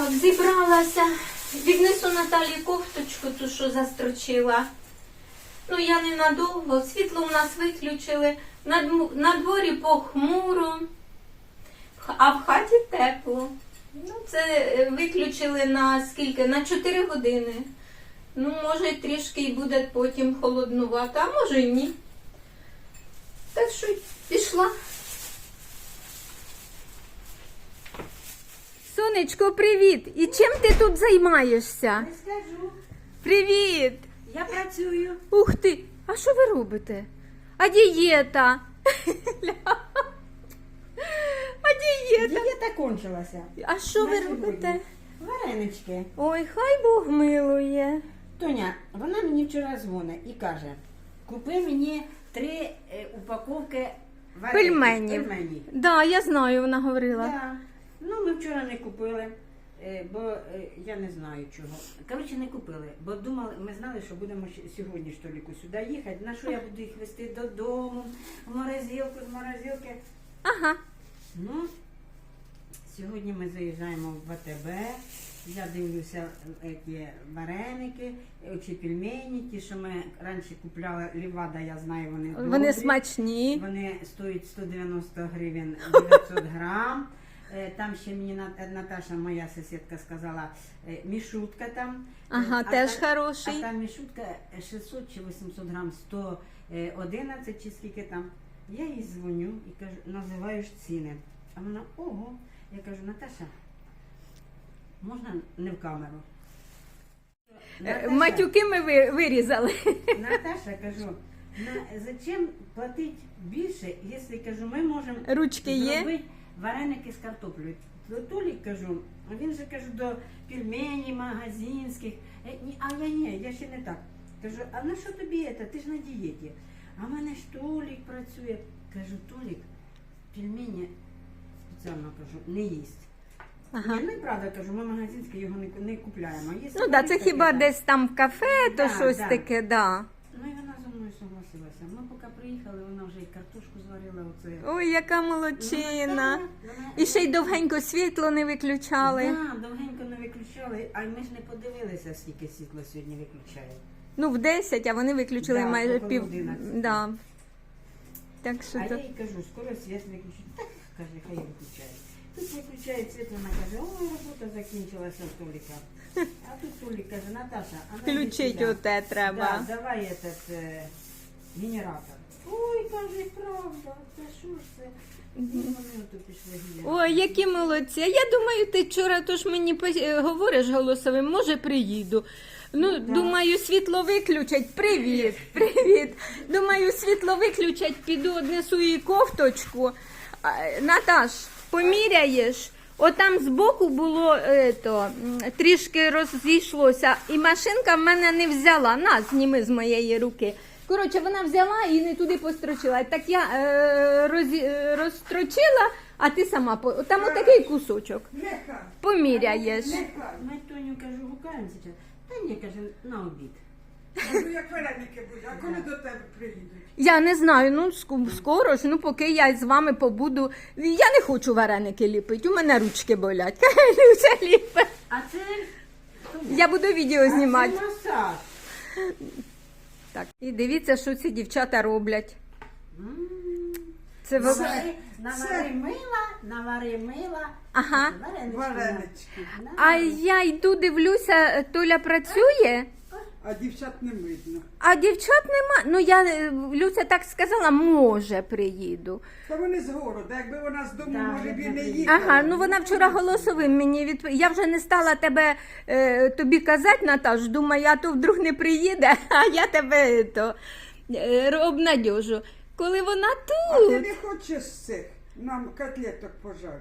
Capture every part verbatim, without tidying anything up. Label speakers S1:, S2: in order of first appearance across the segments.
S1: Так, зібралася. Віднесу Наталі кофточку, ту, що застрочила. Ну, я ненадовго. Світло у нас виключили. На, дм- на дворі похмуро, а в хаті тепло. Ну, це е, виключили на скільки? На чотири години. Ну, може, трішки і буде потім холоднувато, а може і ні. Так що пішла. Сонечко, привіт! І чим ти тут займаєшся?
S2: Не скажу.
S1: Привіт!
S2: Я працюю.
S1: Ух ти! А що ви робите? А дієта? А дієта?
S2: Дієта кончилася.
S1: А що ви
S2: На сьогодні.
S1: робите?
S2: Варенички.
S1: Ой, хай Бог милує.
S2: Тоня, вона мені вчора дзвонить і каже, купи мені три е, упаковки вареників.
S1: Пельменів.
S2: Пельменів.
S1: Да, я знаю, вона говорила.
S2: Да. Ну, ми вчора не купили, е, бо е, я не знаю чого. Коротше, не купили, бо думали, ми знали, що будемо ще сьогодні ж толіку сюди їхати. На що я буду їх везти додому, в морозилку, з морозилки.
S1: Ага.
S2: Ну, сьогодні ми заїжджаємо в АТБ. Я дивлюся які вареники, оці пельмені, ті, що ми раніше купляли, Лівада, я знаю, вони добрі.
S1: Вони смачні.
S2: Вони стоять сто дев'яносто гривень дев'ятсот грам. Е, Там ще мені Нат- Наташа, моя сусідка, сказала, е, мішутка там.
S1: Ага,
S2: А
S1: теж
S2: та-
S1: хороший.
S2: А там мішутка шістсот чи вісімсот грам, сто одинадцять чи скільки там. Я їй дзвоню і кажу, називаю ж ціни. А вона, ого. Я кажу, Наташа, можна не в камеру?
S1: Е, Матюки ми ви- вирізали.
S2: Наташа, кажу, на, зачем платити більше, якщо, кажу, ми можемо
S1: Ручки є?
S2: зробити вареники з картоплею. То Толік, кажу, він же, кажу, до пельменей магазинських. Е, ні, а я ні, я ще не так. Кажу, а на що тобі це? Ти ж на дієті. А в мене ж Толік працює. Кажу, Толік, пельмені спеціально, кажу, не їсть.
S1: Ага.
S2: Ні, ну і правда, кажу, ми магазинське його не, не купляємо. Є
S1: Ну так, да, це
S2: таке,
S1: хіба
S2: так.
S1: десь там в кафе, то
S2: Да,
S1: щось
S2: да.
S1: таке, да.
S2: Ну і вона зі мною согласилася. Ми поки приїхали, вона вже і картошку зварила. Оце.
S1: Ой, яка
S2: Ну,
S1: молодчина.
S2: вона- вона-
S1: І ще й довгенько світло не виключали.
S2: Да, довгенько не виключали, а ми ж не подивилися, скільки світла сьогодні виключає.
S1: Ну, в десять, а вони виключили
S2: Да,
S1: майже
S2: около
S1: пів.
S2: одинадцяти.
S1: Да. Так що
S2: А
S1: то.
S2: я їй кажу, скоро світ виключить. Так, каже, хай виключає. Тут виключає світ, вона каже, ой, робота закінчилася в Толіка. А тут Толік каже, Наташа, а ну, йди
S1: Включить
S2: сюди.
S1: оте треба.
S2: Да, давай этот е, генератор. Ой, каже, правда, це що ж це? І вони ото пішли гуляти.
S1: Ой, які молодці. А я думаю, ти вчора тож мені пос- е, говориш голосовим, може приїду. Ну,
S2: да.
S1: думаю, світло виключать. Привіт, привіт. Думаю, світло виключать, піду однесу їй кофточку. А, Наташ, поміряєш? Отам збоку було е, то, м, трішки розійшлося, і машинка в мене не взяла. На, зніми з моєї руки. Коротше, вона взяла і не туди построчила. Так я е, роз, е, розстрочила, а ти сама по там отакий кусочок.
S3: Нехай.
S1: Поміряєш.
S2: Ми Тоню, кажу, гукаємо зараз. Та ні, каже, на обід.
S3: Кажу, як вареники будуть, а коли до тебе приїдуть?
S1: Я не знаю, ну ск- скоро ж, ну поки я з вами побуду. Я не хочу вареники ліпити, у мене ручки болять. Люся ліпить.
S2: А це...
S1: Я буду відео знімати.
S2: А це масаж.
S1: Так, і дивіться, що ці дівчата роблять.
S2: М.
S1: Це ви...
S2: Навари, навари мила, навари мила.
S1: Ага.
S2: Варенички.
S3: Варенички.
S2: На.
S1: А я йду, дивлюся, Толя працює,
S3: А дівчат не видно.
S1: а дівчат нема. Ну я е, Люся так сказала, може приїду.
S3: Та вони з города, якби вона з дому,
S2: Да,
S3: може б і не
S2: видно,
S3: їхала.
S1: Ага, ну вона вчора голосовим мені відповіла. Я вже не стала тебе е, тобі казати, Наташ, думаю, а то вдруг не приїде, а я тебе то, е, обнадьожу. Коли вона
S3: А ти
S1: тут.
S3: не хочеш з цих нам котлеток пожарити?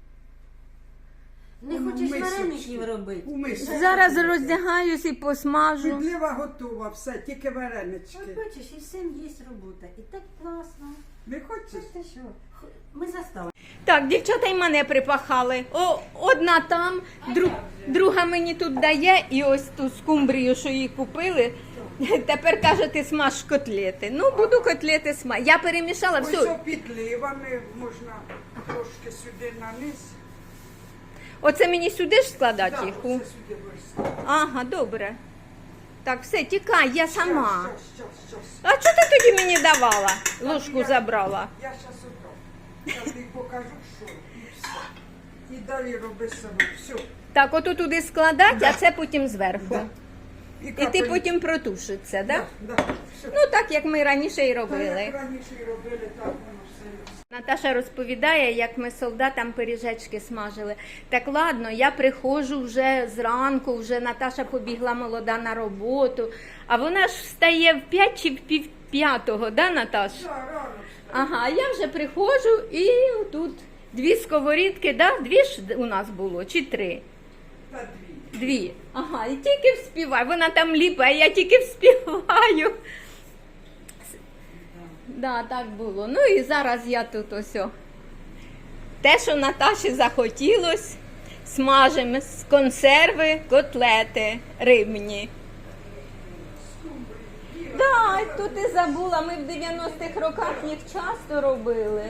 S2: Не
S3: Ну,
S2: хочеш
S3: мисочки.
S2: вареників робити?
S3: У мисочки.
S1: Зараз роздягаюсь і посмажу.
S3: Підлива готова, все, тільки варенички.
S2: От бачиш, і всім є робота. І так класно.
S3: Не хочеш?
S2: Це що? Х- Ми застали.
S1: Так, дівчата й мене припахали. О, одна там, дру, друга мені тут дає, і ось ту скумбрію, що її купили. Тепер каже, ти смаж котлети. Ну, буду котлети смаж. Я перемішала
S3: Ось
S1: все.
S3: о підливами можна трошки сюди на низ.
S1: Оце мені сюди ж складати
S3: Так,
S1: їх?
S3: оце сюди вирізати.
S1: Ага, добре. Так, все, тікай, я сама.
S3: Щас, щас, щас, щас.
S1: А чого ти тоді мені давала? Ложку
S3: я-
S1: забрала.
S3: Я зараз отдам. Я тобі покажу, що і все. І далі роби сама. Все.
S1: Так, ото туди складати, а це потім зверху.
S3: Да.
S1: І ти
S3: капель-
S1: потім протушиш це, так?
S3: Да, да. Все.
S1: Ну так, як ми раніше і
S3: Та
S1: робили.
S3: як раніше і робили, так воно все.
S1: Наташа розповідає, як ми солдатам пиріжечки смажили. Так ладно, я приходжу вже зранку, вже Наташа побігла молода на роботу, а вона ж встає в п'ять чи в пів п'ятого, да, Наташ?
S3: Да, рано.
S1: Ага, а я вже приходжу і тут дві сковорідки, да? Дві ж у нас було, чи три?
S3: Та дві.
S1: Дві. Ага, і тільки вспіваю. Вона там ліпає, я тільки вспіваю. Да, так було. Ну і зараз я тут ось. о. Те, що Наташі захотілось, смажимо з консерви котлети рибні. Да, тут і забула, ми в дев'яностих роках їх часто робили.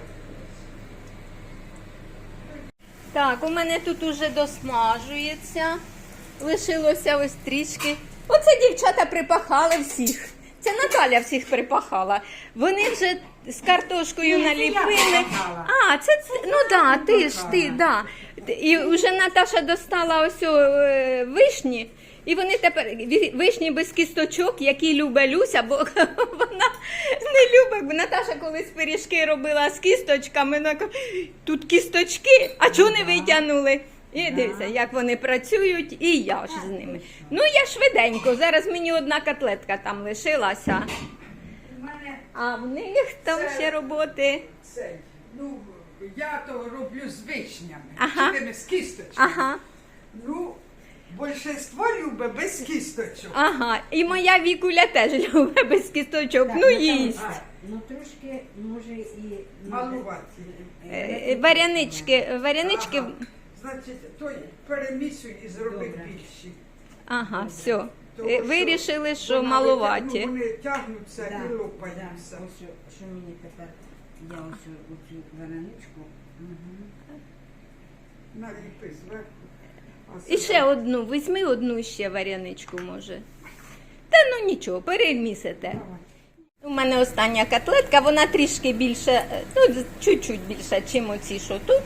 S1: Так, у мене тут уже досмажується. Лишилося ось трішки. Оце дівчата припахали всіх. Це Наталя всіх припахала. Вони вже з картошкою
S2: Ні, це я
S1: наліпили.
S2: припахала.
S1: А, це, це ну да, ти ж ти, да. І вже Наташа достала ось о, е, вишні. І вони тепер ві- вишні без кісточок, які любить Люся, бо вона не любить. Бо Наташа колись пиріжки робила з кісточками. Вона каже, тут кісточки, а чого не витягнули? І дивися, як вони працюють, і я ж з ними. Ну, я швиденько, зараз мені одна котлетка там лишилася,
S3: У мене
S1: а в них там
S3: Це-
S1: ще роботи.
S3: цей, ну, я то роблю з вишнями.
S1: Ага.
S3: Чи тими з кісточками.
S1: Ага,
S3: Ну, більшинство любить без кісточок.
S1: ага. І моя Вікуля теж любить без кісточок,
S2: Так,
S1: ну
S2: там,
S1: їсть.
S2: а, ну трошки, може, і... ну,
S3: Малувати.
S1: Е, е, Варянички, варянички,
S3: Ага. Значить, той перемісуй і зроби
S2: Добре.
S3: більші.
S1: ага, все.
S3: Того,
S1: Е, Вирішили, що
S3: вона
S1: малуваті.
S3: витягну, Вони тягнуться
S2: Да,
S3: і
S2: да.
S3: лопаються.
S2: Ось, що- що мені тепер, я ось оцю вареничку. Угу.
S3: Наліпи зверху. А
S1: І
S3: сюди-
S1: ще одну, візьми одну ще варяничку, може. Та ну нічого, перемісите.
S3: Давай.
S1: У мене остання котлетка, вона трішки більше, е, ну, з- чуть-чуть більше, чим оці, що тут.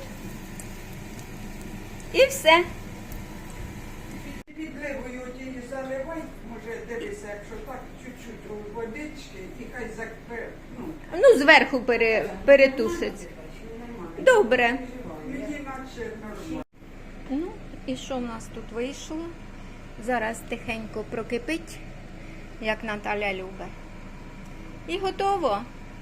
S1: І все.
S3: Підливою тієї заливай, може дивися, якщо так, чуть-чуть у водички і хай закпе, ну,
S1: Ну, зверху пере, перетушить. Добре.
S3: мені наче нормально.
S1: Ну, і що в нас тут вийшло? Зараз тихенько прокипить, як Наталя любить. І готово.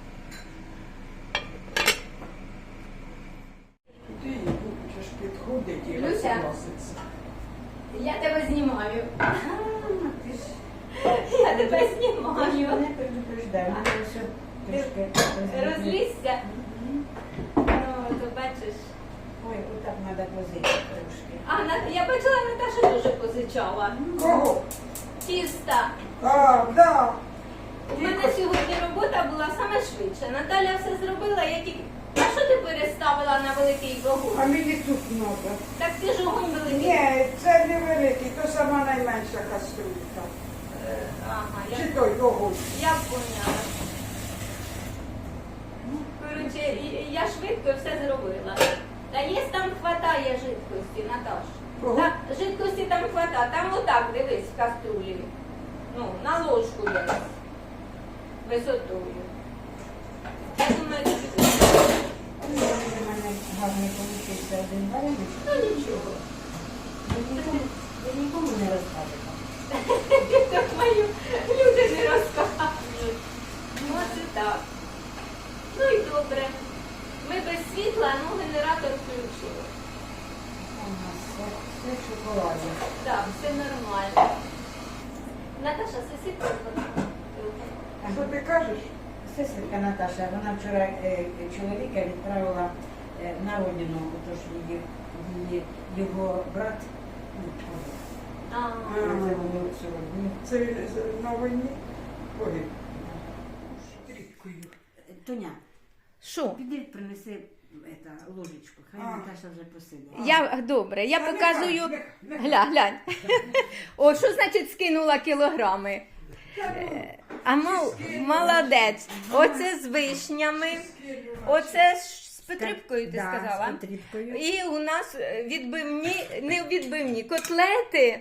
S3: Куди її будеш підходить і
S1: Люся.
S3: розкласиться.
S1: Я тебе знімаю.
S2: Ти ж
S1: Я тебе
S2: я
S1: знімаю.
S2: не предупреждаю, я все трошки розлізла.
S1: Розлізся? Ну, то бачиш.
S2: Ой, отак треба позити трошки.
S1: А, На- я бачила, Наташа дуже позичала.
S3: Кого?
S1: Тіста.
S3: А, да.
S1: У мене сьогодні робота була саме швидше. Наталя все зробила, я тільки... А що ти переставила на великий
S3: А
S1: вогонь?
S3: мені тут треба.
S1: Так ти ж огонь великий.
S3: Ні, це не великий, то сама найменша каструлька.
S1: Е, Ага, я,
S3: Чи той огонь.
S1: я поняла. Ну, коротше, і- я швидко все зробила. Та є там хватає жидкості, Наташ.
S3: Кого?
S1: Та, жидкості там хватає. Там отак, дивись, в каструлі. Ну, на ложку десь. Висотою. Я думаю, тобі
S2: Ну, у мене гарний получився один вареник.
S1: ну нічого.
S2: Ви нікому, ви нікому не розкажете.
S1: Так мою люди не розказують. Ну, це так. Ну і добре. Ми без світла, ну генератор включили.
S2: У нас все, все в шоколаді.
S1: Так, все нормально. Наташа, сусідка.
S3: Що ти кажеш?
S2: Сестрика Наташа, вона вчора е, чоловіка відправила е, на родину, тож її, її, його брат, ну,
S1: А,
S2: це було сорок днів.
S3: Це він з- на війні погиб. Тріткою.
S2: Тоня,
S1: що?
S2: піди принеси ета, ложечку. Хай
S3: А.
S2: Наташа вже посидить.
S1: Я, добре, я
S3: Та
S1: показую.
S3: нехай, нехай.
S1: Гля, глянь. О, що значить скинула кілограми? Е, А мол, молодець. Оце з вишнями. Оце ж з Петрипкою, ти
S2: Да,
S1: сказала?
S2: з Петрипкою.
S1: І у нас відбивні, не відбивні, котлети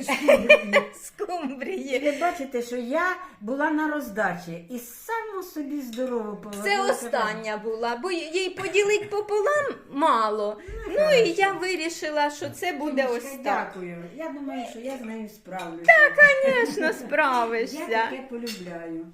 S1: з скумбрії.
S2: Ви бачите, що я була на роздачі і само собі здорово
S1: Це
S2: положила.
S1: остання була, бо їй поділити пополам мало. Ну і я вирішила, що це буде ось так.
S2: Дякую. Я думаю, що я з нею справлюся.
S1: Звісно,
S2: Я
S1: справишся.
S2: таке полюбляю.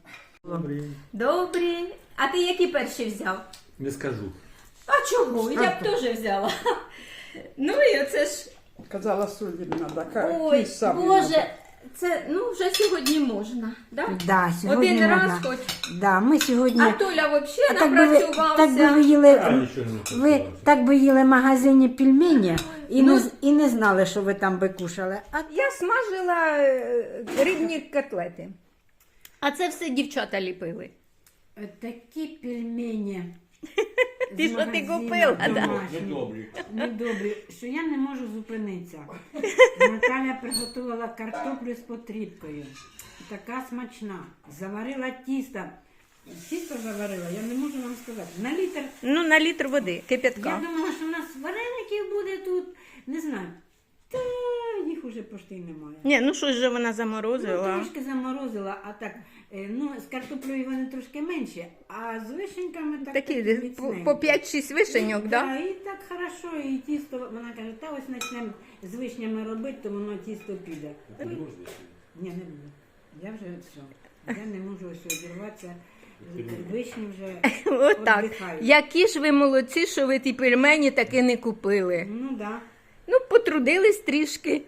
S1: Добрі. А ти які перші взяв?
S4: Не скажу.
S1: А чого? Я б теж взяла. Ну і оце ж.
S3: Казала, солі не треба.
S1: Ой, Боже, це ну вже сьогодні можна. Да?
S2: Да, сьогодні
S1: Один раз
S2: можна.
S1: хоч.
S2: Да, ми сьогодні...
S1: А Толя взагалі
S2: А так би ви,
S1: напрацювався.
S2: так би ви
S4: Я
S2: їли,
S4: нічого не
S2: ви
S4: хотіла.
S2: так би їли в магазині пельмені і,
S1: Ну,
S2: не, з- і не знали, що ви там би кушали. А
S1: Я смажила е, рибні котлети. А це все дівчата ліпили.
S2: такі пельмені.
S1: Ти
S2: з
S1: що ти
S2: магазину
S1: купила, да?
S2: домашні.
S4: Недобрі.
S2: Недобрі, що я не можу зупинитися. Наталя приготувала картоплю з потрібкою. Така смачна. Заварила тісто. Тісто заварила, я не можу вам сказати. На літр.
S1: Ну, на літр води,
S2: Я
S1: кип'ятка.
S2: думала, що у нас вареників буде тут. Не знаю. Та їх уже пошти й немає.
S1: Ні, ну щось же вона
S2: Ну,
S1: заморозила.
S2: трошки заморозила, а так, е, ну, з картоплею вони трошки менші, а з вишеньками так
S1: Такі
S2: міцненькі.
S1: по, по п'ять-шість вишеньок,
S2: Да,
S1: да?
S2: і так хорошо, і тісто, вона каже, та ось почнемо з вишнями робити, то воно тісто піде.
S4: Ти не можеш?
S2: Ні, не буду. Я вже все. Я не можу ось обірватися. Вишні вже
S1: Отак.
S2: віддихають.
S1: Які ж ви молодці, що ви ті пельмені таки не купили.
S2: Ну так. Да.
S1: Ну, потрудились трішки.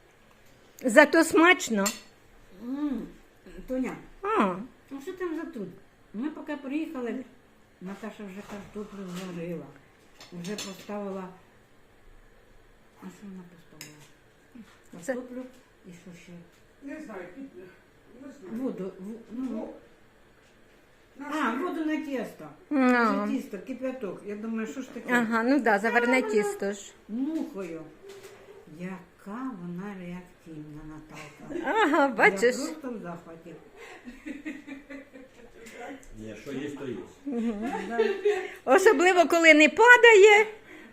S1: Зато смачно.
S2: М, Тоня,
S1: А,
S2: ну що там за труд? Ми поки приїхали, Наташа вже картоплю зварила, вже поставила. А що вона поставила?
S1: Це-
S2: Картоплю і що ще?
S3: Не знаю, під- не знаю.
S2: Воду. в- Ну,
S3: Ну, на
S2: а,
S3: скільки?
S2: воду на тісто.
S1: а.
S2: Це тісто, кип'яток. Я думаю, що ж таке?
S1: Ага, ну да, заварне тісто ж.
S2: Мухою. Яка вона реактивна, Наталка.
S1: Ага,
S2: Я
S1: бачиш?
S2: просто в захваті.
S4: Ні, що є, то є.
S2: Да.
S1: Особливо, коли не падає.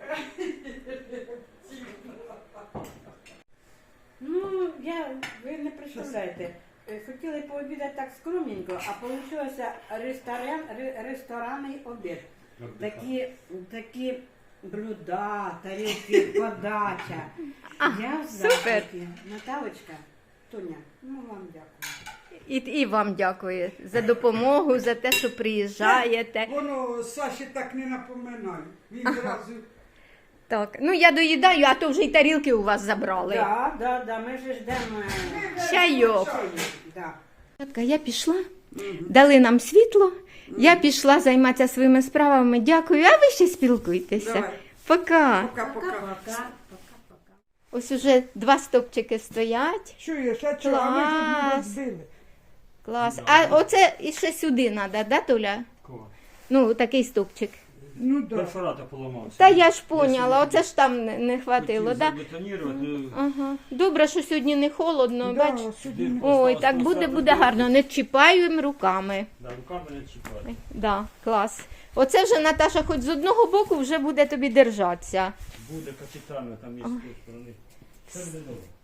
S2: Ну, я, ви не представляєте, е, хотіли пообідати так скромненько, а вийшло ресторан, ре- ресторанний обід. Такі, такі блюда, тарілки, подача. Я в
S1: супер.
S2: захваті. Наталочка, Тоня, ну вам дякую.
S1: І, і вам дякую за допомогу, за те, що приїжджаєте.
S3: Воно Саші так не напоминає. Він зразу
S1: Так, ну я доїдаю, а то вже й тарілки у вас забрали.
S2: Так, так, так, ми вже ждемо. е,
S1: Чайок.
S2: Да.
S1: Дівчатка, я пішла, дали нам світло, я пішла займатися своїми справами. Дякую, а ви ще спілкуйтеся.
S3: Давай.
S1: Пока.
S3: пока-пока.
S2: Пока, пока-пока.
S1: Ось уже два стопчики стоять.
S3: Чуєш, а чого? А ми ж не
S1: Клас.
S3: розбили.
S1: Клас. А оце і ще сюди треба, да, Толя?
S4: Кого?
S1: Ну, такий стопчик.
S3: Ну так.
S4: Перфоратор поламався.
S1: Та я ж поняла, оце ж там не, не хватило, да?
S4: Забетонірувати.
S1: Ага. Добре, що сьогодні не холодно,
S3: Да,
S1: бач?
S3: сюди не-
S1: Ой, так буде, буде гарно. Не чіпаємо руками.
S4: Да, руками не чіпати.
S1: Да, клас. Оце вже Наташа, хоч з одного боку вже буде тобі держатися.
S4: Буде капітально, там є з тієї сторони. Все буде добре.